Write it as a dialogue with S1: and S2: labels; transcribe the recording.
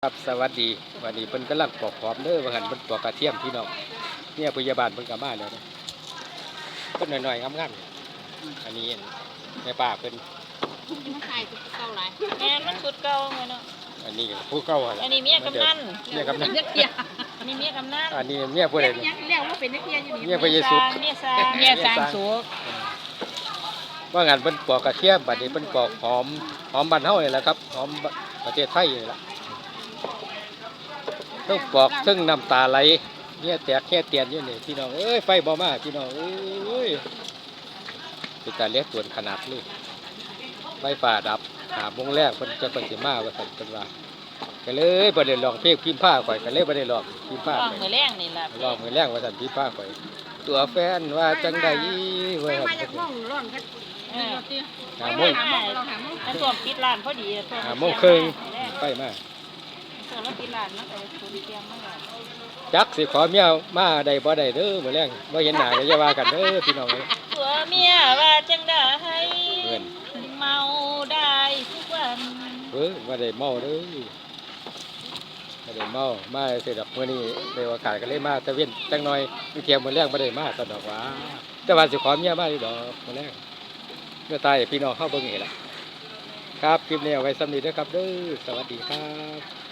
S1: ครับสวัสดีวันนี้เพิ่นกำลังปอกหอมเด้อว่าหั่นเพิ่นปอกกระเทียมพี่น้องเนี่ยพยาบาลเพิ่นก็มาแล้วนะเพิ่นน้อยๆงามๆอันนี้แม่ป้าเพิ่น
S2: มันขายสุดเก่าหลาย
S3: แม่นมันสุดเก่าไงเนาะ
S1: อันนี้ก็ผู้เก่าหั่น
S3: อั
S1: ล่ะ
S3: นนี้เมียกำนัน
S1: เมียกำนัน
S2: เกีย
S3: อันนี้เมียกำนัน
S1: อันนี้เมียผู้ใด
S2: ยังเรียกว่าเป็นนักเรียนอยู่
S1: เมี
S2: นี่
S1: ยพระเยซู
S3: เมียซา
S2: เมียสร้างสุข
S1: ว่างั้นเพิ่นปอกกระเทียมบัดนี้เพิ่นปอกหอมบ้านเฮานี่แหละครับหอมประเทศไทยนี่แหละเพิ่งปอกเพิ่งน้ำตาไหลเนี่ยแตกแค่เตียนอยู่นี่พี่น้องเอ้ยไฟบ่มาพี่น้องเอ้ยเป็นการเลี้ยงตัวขนาดนี้ไฟฟ้าดับหาโมงแรกเพิ่นจะเพิ่นสิมาว่าซั่นเพิ่นว่าก็เลยบ่ได้ลองเพลงพิมพ์ผ้าข่อยก็เลยบ่ได้ลองพิมพ์ผ้า
S3: ลอง
S1: ข่อย
S3: มือแรงนี่ล่ะ
S1: ลองมื้อแรงว่าซั่นพิมพ์ผ้าข่อยตัวแฟนว่าจังได๋
S2: ไป
S1: ว่า
S2: มาจากม่องร้อนกัน
S1: หาโมง
S3: มันท่วมปิดร้านพอดีท่วม
S1: หาโมงครึ่งไปมา
S3: ท่วมแล้วปิดร้านมันก็สูญเสียมาแล้ว
S1: จักสิขอเมียมาได้บ่ได้เด้อมื้อแรงบ่เห็นหน้าก็อย่าว่ากันเด้อพี่น้องเอ้ย
S3: ตัวเมียว่าจังได้
S1: เพิ่น
S3: เมาได้ทุกวัน
S1: บ่ได้เมาเด้อบ่ได้เมามาสิดอกมื้อนี้ได้โอกาสก็เลยมาตะเวนจังหน่อยมื้อเที่ยงมื้อแรงบ่ได้มาซะดอกว่าแต่ว่าสิขอเมียมาอยู่ดอกมื้อแรงเมื่อตายพี่น้องเฮาเบิ่งนี่ล่ะครับคลิปนี้เอาไว้สำนี้เด้อครับเด้อสวัสดีครับ